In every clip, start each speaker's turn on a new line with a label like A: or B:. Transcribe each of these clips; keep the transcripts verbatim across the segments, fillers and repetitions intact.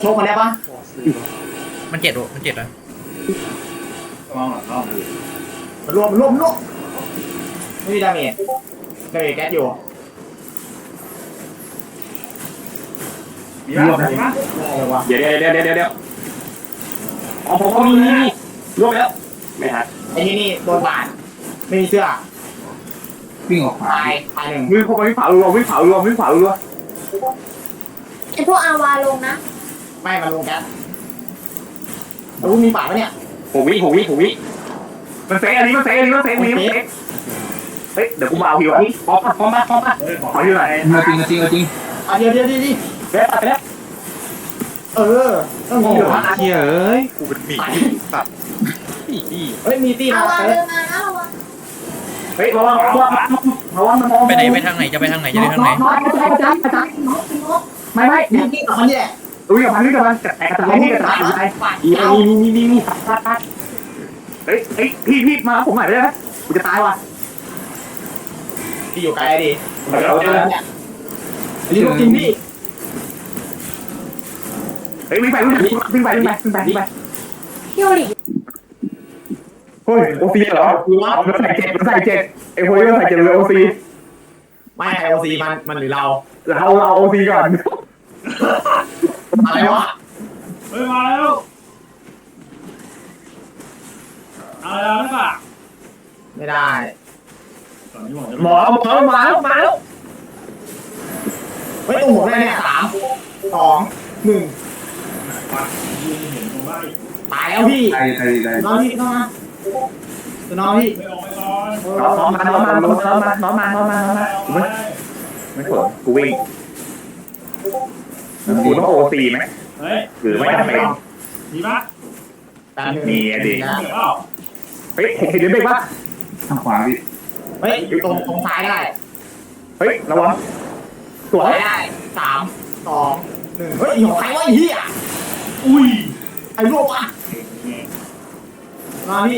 A: โชคมาได้ปะ
B: มันเจ็ดโอมันเจ็ดนะ
A: มองหลังรอบมันรวมมันรวมมันรวมไม่มีดาเมจดาเมจแก๊สอยู่มีรวมไหมอะไรวะ
C: เดี๋ยวเดี๋ยวเดี๋ยวเดี๋ยวเดี๋ยวอ๋อผมก็มีนี่นี่รวมแล้วไม่ฮะ
A: ไอ้นี่นี่โดนบาดไม่มีเสื้อ
D: วิ่งออกมา
A: ตายตายหนึ่ง
C: มือผมวิ่งเผารวมวิ่งเผารวมวิ่งเผารวม
E: ไอพวกอาวาลงนะ
A: ไม่มาลงแก๊สแล้วมีบาดปะเนี่ย
C: ผมวิ่งผมวิ่งผมวิ่งมันเซฟอันนี้มันเซฟอันนี้มันเซฟอันนี้มันเซฟเฮ้ยเดี๋ยวกูมาเอาพี่วะนี่พร้อมปะพร้อมปะพร้อมปะขอที่ไหน
D: มาจริงจริงจริง
A: อ่ะเดี๋ยวเดี๋ยวเดี๋ยวดิ
C: เดี๋ยวไปแล้ว
A: เออต้องมีเหรอ
B: เฮียเอ้ยกูเป็นหมีสัตว์อีอี
A: เฮ้ยมีตี
E: อา
A: มา
E: วา
A: เซ
E: เดิ
A: ฟ
E: นมานะระวัง
C: เฮ้ยระวังระวังระวังมันมอง
B: ไปไหนไปทางไหนจะไปทางไหนจะไปทางไหน
C: น้อยอาจารย์อาจารย์อาจารย์
E: นกนก
C: ไม่ไม่
A: มีตีกับมันนี่แหละ
C: อุ้ยกับมันนี่กับมันกระแตกกระจายนี่กระจายกระจาย
A: บาด
C: มี
A: เจ้า
C: มีมีมีมีตัดตัดตัดเฮ้ยเฮ้ยพี่พี่มาผมหน่อยได้ไหมกูจะตายว่ะ
A: ที่อยู่ไกลดิ
C: เดี๋ยวเดี๋ยว
A: เนี่ยอันนี้ลูกจริงพี่
C: เฮ้ยวิ่งไปวิ่งไปวิ่งไปวิ่งไปวิ่งไปวิ่งไป
E: พี่โอลิ
C: เฮ้ยโอซีเหรอมันใส่เจ็ดมันใส่เจ็ดไอ้โว้ยมันใส่เจ็ดเลยโอซี
A: ไม่ไอโอซีมันมันหรือเรา
C: เราเราโอซีก่อน
A: อะไรวะ
F: เฮ้ยมาแล้วเอาแล้วหรือเปล่า
A: ไม่ได้
F: ตอนนี้ผมจะ
C: หมอหมอมาแล้วมาแล้ว
A: เฮ้ยตุ้มผมได้เนี่ยสามสองหนึ่ง
F: ยืนเห็นผมว่า
A: ตายแล้วพี่
D: ได้ได้ได้
A: น้องพี่เข้ามาตัวน้องพี่
F: ไม่ออกไปก่อน
C: น้องมาน้องมาน้องมาน้องมาน้องมาน้องมา
F: ไม่
C: ไม่สนกูวิ่งกูต้องโอซีไหม
F: เฮ้ย
C: หรือไม่จำเป็น
F: มีปะ
A: ตาหนึ่ง
C: มีอะดิ
F: เดี๋ยวเปล่า
C: เฮ้ยเห็นเดี๋ยวเบรกปะ
D: ทางขวาพี่
A: เฮ้ยอยู่ตรงตรงซ้ายได้
C: เฮ้ยระวังสวย
A: ซ้ายได้สามสองหนึ่งเฮ้ยของใครวะไอ้เหี้ย
F: อุ้ย
A: ไอ้รวบวะมาพี่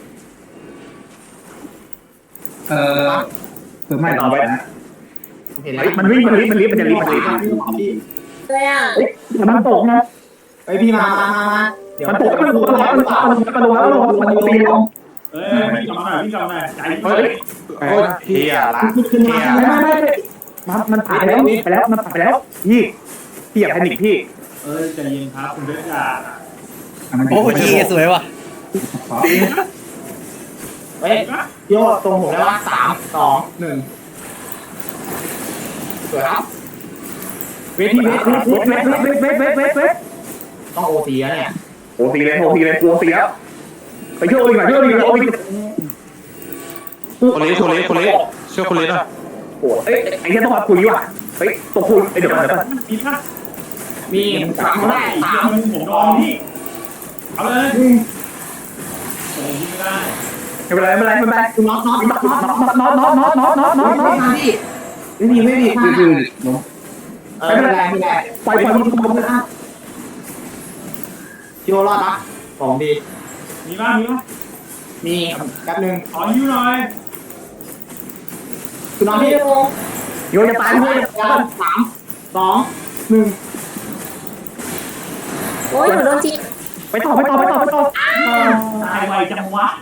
D: เอ่อเพิ่มไม่ต่อไปนะ
A: เห็นแล้
C: เฮ้
A: วย
C: มันวิ่งมันรีบมันรีบมันจะรีบมันรีบ
A: พี่
E: เลยอ่ะ
C: มันตกนะ
A: เฮ้ยพี่มามามามาเดี๋ยว
C: มันตกมันลงมันลงมันลงมันลงมันลงมันโอซีลง
F: เฮ้ยพี่กลับมาหน่อยพี่กลับมาหน่อยใจ
C: เฮ้ย
B: โอ้ยเฮียละ
A: ขึ้นมา
C: ไม่ไม่ไม่มันมันผ่านแล้วไปแล้วมันผ่านไปแล้วพี่พี่อย่าแพนิคพี่
F: เอ้ยใจเย็นครับคุณเบสจ่า
B: โอ้ยเฮียสวยว่ะ
A: เฮ้ยโยตรงผมได้ว่าสามสองหนึ่งสวยครับเวทีเวที
C: เวทเวทเวทเวทเวทเวทเวท
A: ต้องโอซีแล้วเนี่ย
C: โอซีเลยโอซีเลยโอซีแล้วไปช่วยอีกหน่อยช่วยอีกหน่อยโอซี
B: คนเลี้ยคนเลี้ยคนเลี้ยเชื่อคนเลี้ยหน่อย
C: โอ้เอ้ยไอ้ที่ต้องมาคุยว่ะเฮ้ยต้องคุยเดี๋ยวก่อนเดี๋ยวก่อน
F: มีปะ
A: มีสามได้สาม
F: ผมรอพี่เอาเลยโอ้ยไม่ได้
C: ไม่เป็นไรไม่เป็นไรไม่เป็นไร
A: น็อตน็อตน็อตน็อต
C: น็อตน็อตน็อตน็อตน็อตน็อตน็อตน็อต
A: มาพี่ไม่มีไม่มี
D: คือคือล้ม
A: เออไม่เป็นไรไม่เป็นไร
C: ปล่อยปล่อยมัน
A: โยรอดปะของดี
F: มีปะมีปะ
A: มีแป๊บนึง
F: ขอยิ้วหน่อย
A: คุณน้อง
E: ไม่
A: พี่
E: รู้
C: โยนจะตายโยนจะตาย
A: สามสองหนึ่ง
E: โอ้ยหนูโดนจี
C: ไปต่อไปต่อไปต่อไปต่อ
F: ตายไวจังวะ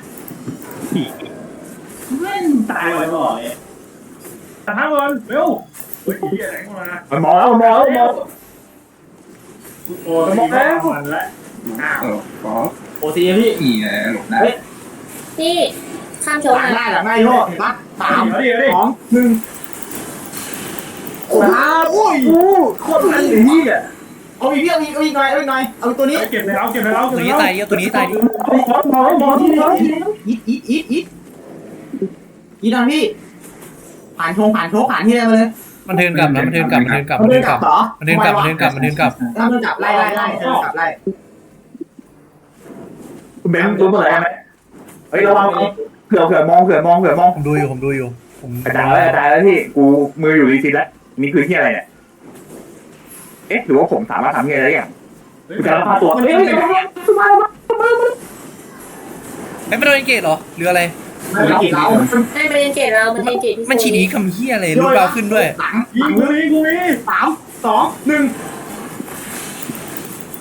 F: แม่งตายไวบ่อยตัดทั้งวันเร็วเฮ้ยเฮียแรงมา
C: มันมองแล้วมันมองแล้วมอง
F: โอ้ยมองแล้วมันละ
D: เออขอ
A: โอซีพี่
D: อีแหละหลบได้
E: พี่ข้ามโช
A: ห
E: ว์
A: ลัง
E: นะ
A: ได้หลังได้โยเห็นปะสาม
F: เดี๋ยวดิ
A: สองหนึ่งโอ้โหโอ้โคตรมันเลยพี่อ่ะเอาอีกพี่เอาอีกเอาอีกหน่อยเอาอีกหน่อยเอาตัวนี้
F: เก็บเลยเอาเก็บเลยเอา
B: ตัว
F: เก็บ
B: นี้ตายเยอะตัวนี้ตายดิ
C: มองมองมอง
A: อีทอีทอีทอีทอีทนะพี่ผ่านชงผ่านโชกผ่านที่อะไรมาเลย
B: มันเทินกลับนะมันเทินกลับมันเทินกลับ
A: มั
B: มัน น
A: เดิ
B: เทิ
A: น
B: น
A: ก
B: ก
A: ลั
B: ลั
A: บบ เหรอ
B: มันเทินกลับมันเทินกลับมันเทินกลับ
A: ถ้ามันกลับไล่ไล่ไล่เดินกลับไล่
C: คุณเบนรู้เมื่อไหร่ไหมเฮ้ยระวังเผื่อเผื่อมองเผื่อมองเผื่อมอง
B: ผมดูอยู่ผมดูอยู่ผม
C: กระจายแล้วกระจายแล้วพี่กูมืออยู่รีซิตแล้วนี่คือที่อะไรเนี่ยเอ๊ะหรือว่าผมสามารถทำอะไรได้อย่างกูจะรับตัวเฮ้ย
B: ไอ้ไม่โดนเกตเหรอหรืออะไร
A: ไม่เป็นกี่เรา
E: ไม่เป็นเกตเรามันเทนเกตพี่
B: มันฉีดีคำเฮียอะไรลูกเราขึ้นด้วย
A: หลัง
F: ยิงกูนี่กูนี่
A: สามสองหนึ่ง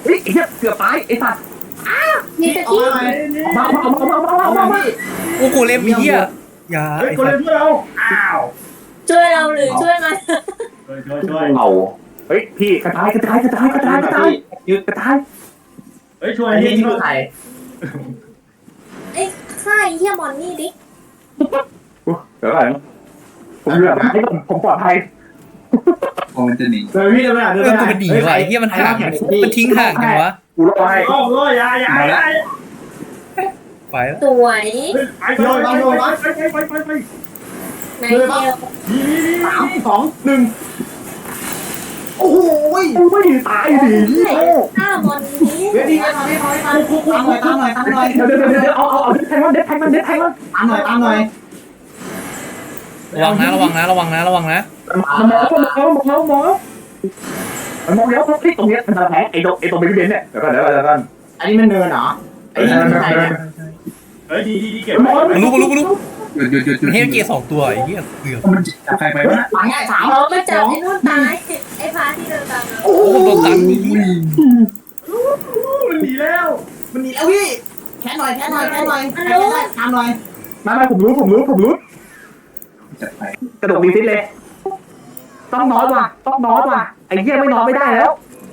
C: เฮ้ยไอ้เหี้ยเกือบตายไอ้สัตว์
E: มีส
A: เอา
E: กี้
A: มาไหม
C: มาเอามาเอามาเอามา
A: เอา
C: เอา
A: มา
C: มา
A: พี่
G: กูกูเล่มไอ้เหี้ยอย่า
F: เฮ้ย
G: ไอ้
F: คน
G: สั
F: เล่
G: ส
F: นเพื่อเราอ้าว
E: ช่วยเราหรือช่วยมัน
F: ช่วยช่วยช่วย
C: เอาเฮ้ยพี่กระจายกระจายกระจายกระจายกระจายยืดกระจาย
F: เฮ้ยช่วย
A: อันนี้
F: นี่
A: ที่คือใคร
E: เอ้ยฆ่าไอ้เหี้ยมอนนี่ดิ
C: เดี๋ยวก่อนผมเหลือให้ผมผมปลอดภัย
D: โอ้มันจะหนี
A: เดินพี่เดินไปอ่ะเดิน
G: เอ
A: ไป
G: อกูมันหนีว่ะไอ้เหี้ยมันห่างมันทิ้งห่างจังวะ
C: กูรอให้
F: โอ้โหยายายาย
G: ไปแล้ว
E: สวย
F: ไปไปไปไปไปไป
E: ไหนเดียว
A: สามสองหนึ่งโอ้โห
C: กูไม่ตายดิ
E: ฆ่ามอนนี้
A: เดี๋ยวดีไปทำให้ทำให้ทำตามหน่อยตามหน่อยตามหน่อย
C: เดี๋ยวเดี๋ยวเดี๋ยวเอาเอาเอาเด็ดแทงมันเด็ดแทงมันเด็ดแทงมัน
A: ตามหน่อยตามหน่อย
G: ระวังนะระวังนะระวังนะระวังนะ
C: มันมองมันมองมันมองมันมองแล้วพลิกตรงนี้มันจะแพ้ไอ้ตรงไอ้ตรงบริเวณเนี่ยเดี๋ยวก่อนเดี๋ยวก่อนเดี๋ยวก่อน
A: อันนี้มันเนินเหรอไอ้นี่มันใครเนี่ย
F: เฮ้ยดีดีดีเก็บ
G: มันรู้มันรู้มันรู้
D: หยุดหยุดหยุดหยุด
G: มันเฮลเกตสองตัวไอ้เหี้ยเกือบ
D: มันจับใครไปวะ
A: หลังง่ายสาม
E: อ๋อมาจับไอ้นู่นตายไอ้พาที่เดินตามเรา
A: โอ้
G: โอ้
A: โห
G: โหโดนตันไอ้เหี้ย
F: มันดีแล้ว
A: มันหนีแล้วพี่แค่หน่อยแค่หน่อยแค่หน่อยแค่หน่อยตามหน่อย
C: มามาผมรู้ผมรู้ผมรู้
D: จับไป
C: กระโดดรีซิตเลยต้องนอนว่ะต้องนอนว่ะไอ้เหี้ยไม่นอนไม่ได้แล้ว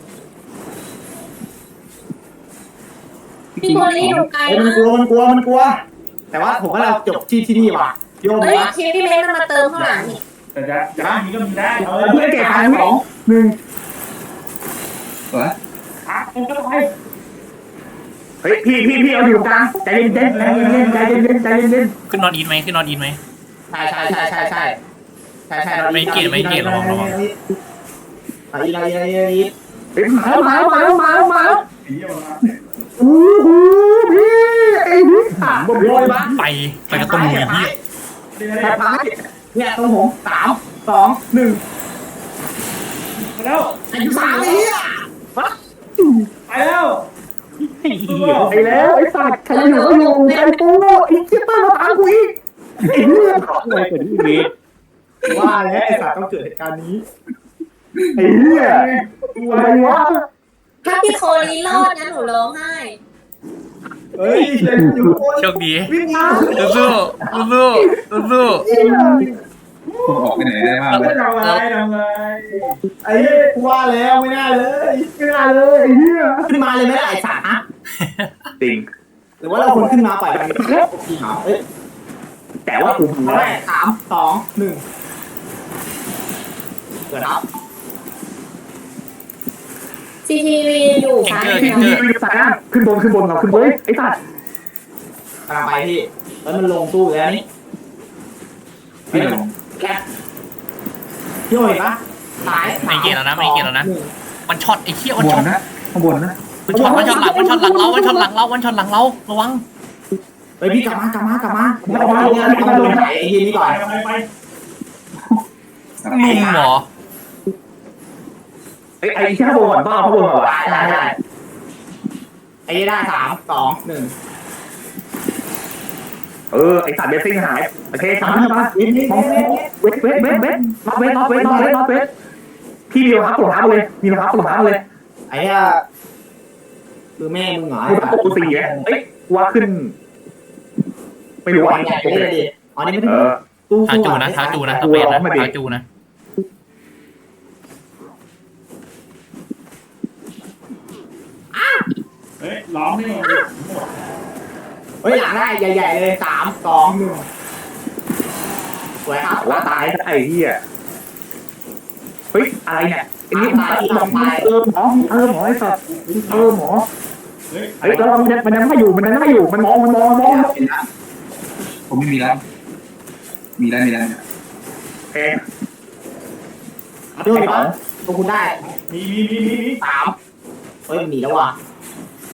E: พี่โคลี่อยู่ไกล
A: เอ้ยมัน
E: มาก
A: กลัวมันกลัวมันกลัว แต่ว่าผมว่าเราจบที่ที่นี่ว่ะโยม
E: เฮ้ย
A: นะ
E: เคพี่เม้นมันมาเติมข้างหลังนี่
F: แต่จะจะมีก็มีได้เอา
C: เพื่อนเก็บทางสองหนึ่ง
D: ตัว
F: อ่ะเอาเข้าไป
C: เฮ้ยพี่พี่พี่เอาอยู่กลางใจเย็นเย็นใจเย็นเย็นใจเย็นเย็นใจเย็นเย็น
G: ขึ้นนอนอีทไหมขึ้นนอนอีทไหม
A: ใช่ใช่ใช่ใช่ใช่ใช่ใช่
G: ไม่เกลียดไม่เกลียดระวังระวัง
A: อีกอีกอีกอีก
C: เฮ้ยมาแล้วมาแล้วมาแล้วมาแล้วมาแล้ว
F: ผีเอามา
C: โอ้โหพี่ไอ้นี่ถามผมเลยบ้าง
G: ไปไปกระตุ้นมือไอ้เหี้ย
A: แค่พายเนี่ยตรงผมสามสองหนึ่ง
F: มาแล้ว
A: อายุสามไอ้เหี้ย
F: ไปแล้ว
C: ไอ้แล้วไอ้สัตว์ใครอยู่ก็อยู่ใจปูไอ้เจี๊ยบมาตามกูอีกไอ้เรื่องอะไรกันนี่
A: ว่าแล้วไอ้สัตว์ต้องเกิดเหตุการณ์นี้
C: ไอ้เหี้ยอะไรวะ
E: ถ้าพี่โคลี่รอดนะหนูร้องไห้
A: เฮ้ยเดินอยู่คน
G: โชคดี
A: วิ่งมา
G: สู้สู้สู้สู้
D: ผมออกไปไหนได้บ้างวะ
F: ทำอะไรทำอะไร
A: ไอ้เหี้ยกูว่าแล้วไม่น่าเลย
C: ไม่ได้เลยไอ้เหี้ย
A: ขึ้นมาเลยไม่ได้ไอ้สัตว์นะ
C: จริง
A: หรือว่าเราคนขึ้นมาปล่อยมันจริงเหรอเอ้ย
C: แต่ว่ากู
A: เอาแรกสามสองหนึ่งเกิดครับ
E: ซีทีวีอยู่
G: แข่ง
E: ซ้าย
G: เกอร์แข่งเกอร์
C: ขึ้นบนขึ้นบนเราขึ้นบนไอ้สัตว์
A: กำลังไปพี่แล้วมันลงตู้แล้วนี่
D: พี่ลง
A: แคปพี่โอ้ยปะซ้าย
G: ไม่เกลียดแล้วนะไม่เกลียดแล้วนะมันช็อตไอ้เหี้ย
D: ข้า
G: มัน
D: งบ
G: ช็อน ต
D: นะข้างบนนะ
G: มันช็อตมันช็อตหลังมันช็อตหลังเรามันช็อตหลังเรามันช็อตหลังเราระวัง
A: เฮ้ยพี่กลับมากลับมากลับมากลับมาลงงานกลับมาลงไหนไอ้ทีนี้ก่อน
F: ไปไป
G: ลุมเหรอ
C: ไอ้ไอ้ที่ข้างบนก่อนต้องเอาข้างบนก่อน
A: ได้ได้ได้ไอ้ได้สามสองหนึ่ง
C: เออไอ้สัตว์เบสซิ่งหายโอเคสามมา
A: วินวิน
C: มองเวทเวทเวทเวทน็อตเวทน็อตเวทน็อตเวทน็อตเวทพี่มีรองเท้าปลดเท้าเลยมีรองเท้าปลดเท้าเลย
A: ไอ้อะคือแม่มึงเหรอ
C: กูตะโกนสี่ไงเอ้ยว่าขึ้น ไม่รู้
A: หัว
C: อ่ะ
A: ใหญ่เลยดิอ๋อนี่ไม่
C: เอ
A: ได้
C: อ
A: ตู้
G: ท้าจูนะท้าจูนะตะเปนนะท้าจูนะ
F: เฮ้ยล้อมนี่
A: เฮ้ยหลังได้ใหญ่ๆเลยสามสองหนึ่งสวยครับ
C: ว่าตายไอ้เหี้ยเฮ้ยอะไรเนี่ยอันนี้ตายเออหมอเออหมอไอ้สัตว์เออหมอ
F: เฮ้ย
C: เฮ้ยแล้วมันมันยังไม่อยู่มันยังไม่อยู่มันมองมันมองมันมอง
D: ผมไม่มีแล้วมีแล้วมีแล้วเนี่ย
C: เอ๊ะ
A: ด้วยปะตัวคุณได้
F: มีมีมีมีมี
A: สามเฮ้ยมันหนีแล้วว่ะ